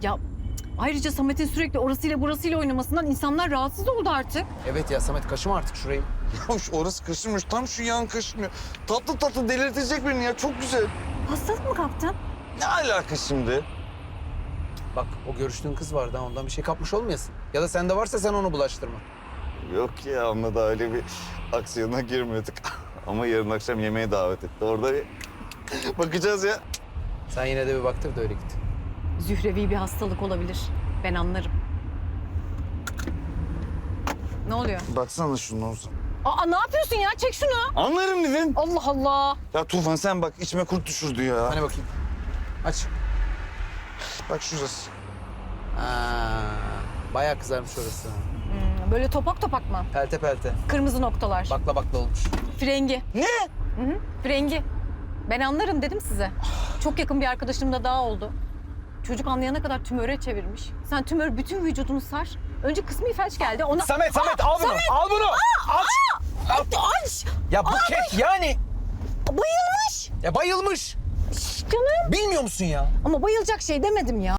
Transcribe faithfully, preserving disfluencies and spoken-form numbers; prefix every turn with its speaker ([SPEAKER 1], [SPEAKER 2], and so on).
[SPEAKER 1] Ya ayrıca Samet'in sürekli orasıyla burasıyla oynamasından insanlar rahatsız oldu artık.
[SPEAKER 2] Evet ya Samet kaşıma artık şurayı.
[SPEAKER 3] Ya şu orası kaşınmış, tam şu yan kaşınıyor. Tatlı tatlı delirtecek beni ya, çok güzel.
[SPEAKER 1] Hastalık mı kaptın?
[SPEAKER 3] Ne alaka şimdi?
[SPEAKER 2] Bak o görüştüğün kız vardı ha, ondan bir şey kapmış olmayasın. Ya da sende varsa sen onu bulaştırma.
[SPEAKER 3] Yok ya, onunla da öyle bir aksiyona girmiyorduk. Ama yarın akşam yemeğe davet etti. Orada bir bakacağız ya.
[SPEAKER 2] Sen yine de bir baktır da öyle git.
[SPEAKER 1] Zührevi bir hastalık olabilir. Ben anlarım. Ne oluyor?
[SPEAKER 3] Baksana şunu Ozan.
[SPEAKER 1] Aa ne yapıyorsun ya? Çek şunu.
[SPEAKER 3] Anlarım dedin.
[SPEAKER 1] Allah Allah.
[SPEAKER 3] Ya Tufan sen bak, içime kurt düşürdü ya.
[SPEAKER 2] Hani bakayım. Aç.
[SPEAKER 3] Bak şurası.
[SPEAKER 2] Aa, bayağı kızarmış orası.
[SPEAKER 1] Hmm, böyle topak topak mı?
[SPEAKER 2] Pelte pelte.
[SPEAKER 1] Kırmızı noktalar.
[SPEAKER 2] Bakla bakla olmuş.
[SPEAKER 1] Frengi.
[SPEAKER 3] Ne?
[SPEAKER 1] Hı hı. Frengi. Ben anlarım dedim size. Çok yakın bir arkadaşım da daha oldu. Çocuk anlayana kadar tümöre çevirmiş. Sen tümör bütün vücudunu sar. Önce kısmi felç geldi. Ona...
[SPEAKER 2] Samet Samet al bunu. Al bunu. Aç. Al.
[SPEAKER 1] Aç!
[SPEAKER 2] Ya Buket yani.
[SPEAKER 1] Bayılmış!
[SPEAKER 2] Ya bayılmış.
[SPEAKER 1] Şş, canım.
[SPEAKER 2] Bilmiyor musun ya?
[SPEAKER 1] Ama bayılacak şey demedim ya.